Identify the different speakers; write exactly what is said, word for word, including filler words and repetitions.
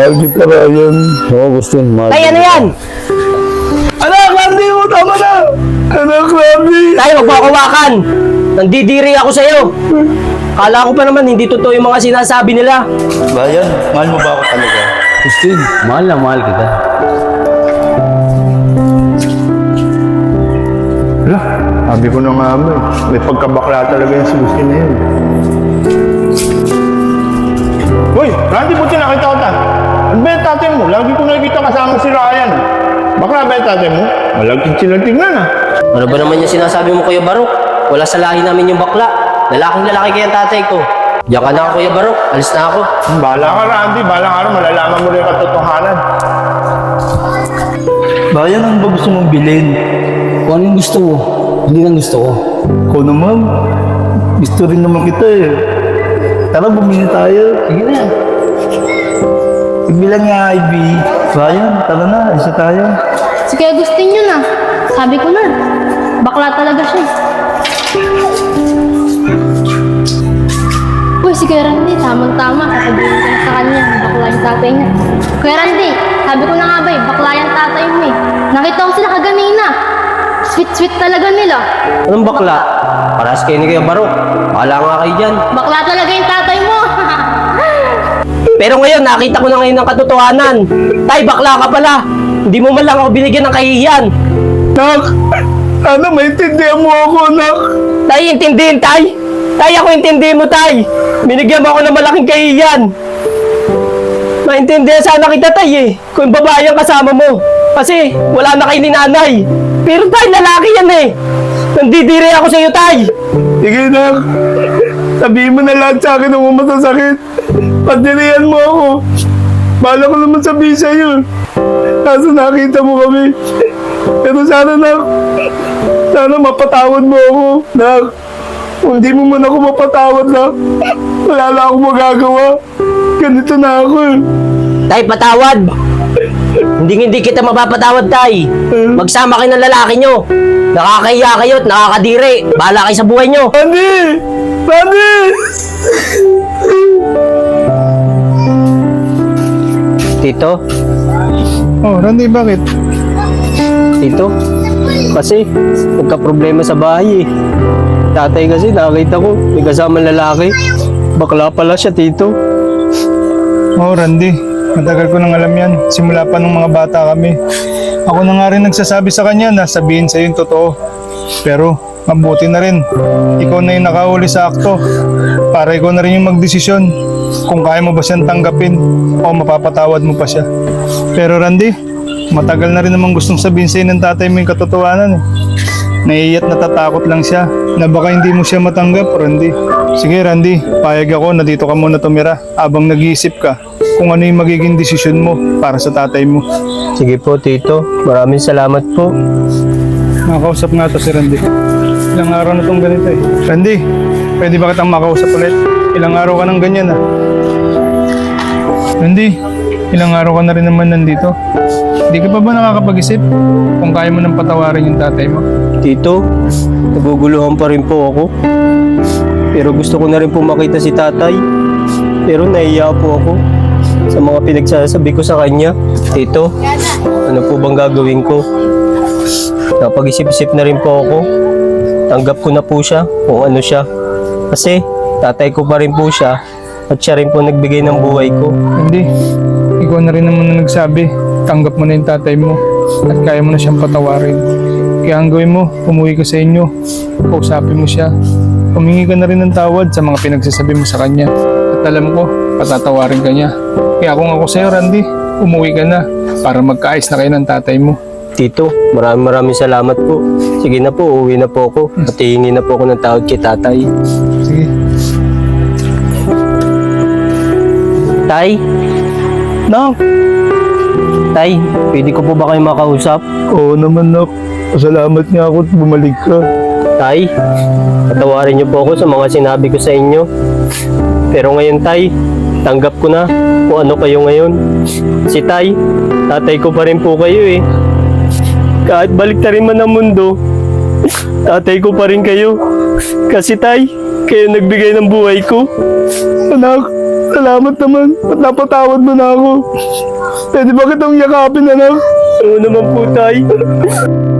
Speaker 1: Mahal kita, Ryan. Oo, Agustin, mahal
Speaker 2: Tay, ano yan?
Speaker 1: Anak, Randy mo, tama na! Anak, Randy!
Speaker 2: Tay, wag mo ako hawakan. Nandidiri ako sa'yo. Kala ko pa naman hindi totoo yung mga sinasabi nila.
Speaker 1: Ryan, mahal mo ba ako talaga?
Speaker 3: Agustin, mahal na mahal kita.
Speaker 1: Wala, sabi ko na nga mo eh. May pagkabakla talaga yung si Agustin na yun. Hoy, Randy, buti nakita ko ta. Ano ba yung tatay mo? Lagi ko nakikita kasama si Ryan. Bakla ba yung tatay mo? Malagkit sila tignan ah.
Speaker 2: Ano ba naman yung sinasabi mo, Kuya Barok? Wala sa lahi namin yung bakla. Lalaking lalaki kaya ang tatay ko. Diyan ka na, Kuya Barok. Alis na ako.
Speaker 1: Bahala ka, Randy. Bahala ka rin. Malalaman mo rin yung katotohanan. Bayan, ano ba gusto mong bilhin?
Speaker 3: Kung ano yung gusto mo, hindi lang gusto ko.
Speaker 1: Ikaw naman. Gusto rin naman kita eh. Tara, bumili tayo.
Speaker 3: Sige na.
Speaker 1: Bilang nga, Ivy. Bayan, tara na. Isa tayo.
Speaker 4: Si Kuya Agustin yun ah. Sabi ko na. Bakla talaga siya eh. Uy, si Kuya Randy, tamang-tama. Sasabihin ko na sa kanya, bakla yung tatay niya. Kuya Randy, sabi ko na nga ba eh, bakla yung tatay mo eh. Nakita ko sila kaganina. Sweet-sweet talaga nila.
Speaker 2: Anong bakla? Paras kayo ni Kuya Barok. Bahala nga kayo dyan.
Speaker 4: Bakla talaga yung tatay mo.
Speaker 2: Pero ngayon, nakita ko na ngayon ang katotohanan. Tay, bakla ka pala. Hindi mo man lang ako binigyan ng kahihiyan.
Speaker 1: Nak! Sana maintindihan mo ako, Nak!
Speaker 2: Tay, intindihin, Tay. Tay, ako intindihin mo, Tay. Binigyan mo ako ng malaking kahihiyan. Maintindihan sana kita, Tay, eh. Kung babae ang kasama mo. Kasi wala na kayo ni nanay. Pero, Tay, lalaki yan, eh. Nandidiri ako sa iyo, Tay.
Speaker 1: Sige, Nak! Sabihin mo na lahat sa akin kung masasakit. Pagdirihan mo ako. Bahala ko naman sabihin sa'yo. Kaso nakita mo kami. Pero sana, Nak, sana mapatawad mo ako, Nak. Kung di mo man ako mapatawad, Nak, wala na akong magagawa. Ganito na ako eh.
Speaker 2: Tay, patawad. Hindi hindi kita mapapatawad, Tay. Magsama kayo ng lalaki nyo. Nakakahiya kayo at nakakadiri. Bahala kayo sa buhay nyo.
Speaker 1: Randy! Randy!
Speaker 2: Tito,
Speaker 1: Oh, Randy, bakit?
Speaker 2: Tito, kasi nagka-problema sa bahay eh. Tatay kasi nakita ko, may kasamang lalaki. Bakla pala siya, Tito.
Speaker 5: Oo, Randy. Matagal ko nang alam yan. Simula pa nung mga bata kami. Ako na nga rin nagsasabi sa kanya na sabihin sa'yo yung totoo. Pero, mabuti na rin. Ikaw na yung nakahuli sa akto. Para ikaw na rin yung magdesisyon kung kaya mo ba siyang tanggapin o mapapatawad mo pa siya. Pero Randy, matagal na rin namang gustong sabihin sa'yo ng tatay mo yung katotohanan eh. Naiiyat natatakot lang siya na baka hindi mo siya matanggap, Randy. Sige Randy, payag ako na dito ka muna tumira habang nag-iisip ka kung ano yung magiging desisyon mo para sa tatay mo.
Speaker 2: Sige po, Tito. Maraming salamat po.
Speaker 5: Makausap nga to si Randy. Ilang araw na tong ganito eh. Randy, pwede ba kitang makausap ulit? Ilang araw ka nang ganyan ah. Randy, ilang araw ka na rin naman nandito. Hindi ka pa ba nakakapag-isip kung kaya mo nang patawarin yung tatay mo?
Speaker 2: Tito, naguguluhan pa rin po ako. Pero gusto ko na rin po makita si tatay. Pero nahiya po ako sa mga pinagsasabi ko sa kanya. Tito, ano po bang gagawin ko? Napag-isip-isip na rin po ako. Tanggap ko na po siya kung ano siya. Kasi tatay ko pa rin po siya at siya rin po nagbigay ng buhay ko.
Speaker 5: Randy, ikaw na rin naman na nagsabi. Tanggap mo na yung tatay mo at kaya mo na siyang patawarin. Kaya ang gawin mo, umuwi ka sa inyo. Kausapin mo siya. Humingi ka na rin ng tawad sa mga pinagsasabi mo sa kanya. At alam ko, patatawarin ka niya. Kaya kung ako sa'yo, Randy, umuwi ka na para magkaayos na kayo ng tatay mo.
Speaker 2: Tito, maraming maraming salamat po. Sige na po, uuwi na po ako. At hihingi na po ako ng tawad kay tatay.
Speaker 5: Sige.
Speaker 2: Tay?
Speaker 1: Nak!
Speaker 2: Tay, pwede ko po ba kayo makausap?
Speaker 1: Oo naman, Nak. Pasalamat nga ako at bumalik ka.
Speaker 2: Tay, patawarin niyo po ako sa mga sinabi ko sa inyo. Pero ngayon, Tay, tanggap ko na kung ano kayo ngayon. Si Tay, tatay ko pa rin po kayo eh. Kahit balik na rin man ang mundo, tatay ko pa rin kayo. Kasi tay, kayo nagbigay ng buhay ko.
Speaker 1: Anak, salamat naman. At napatawad mo na ako. Pwede ba kitang yakapin, anak?
Speaker 2: Oo naman po tay.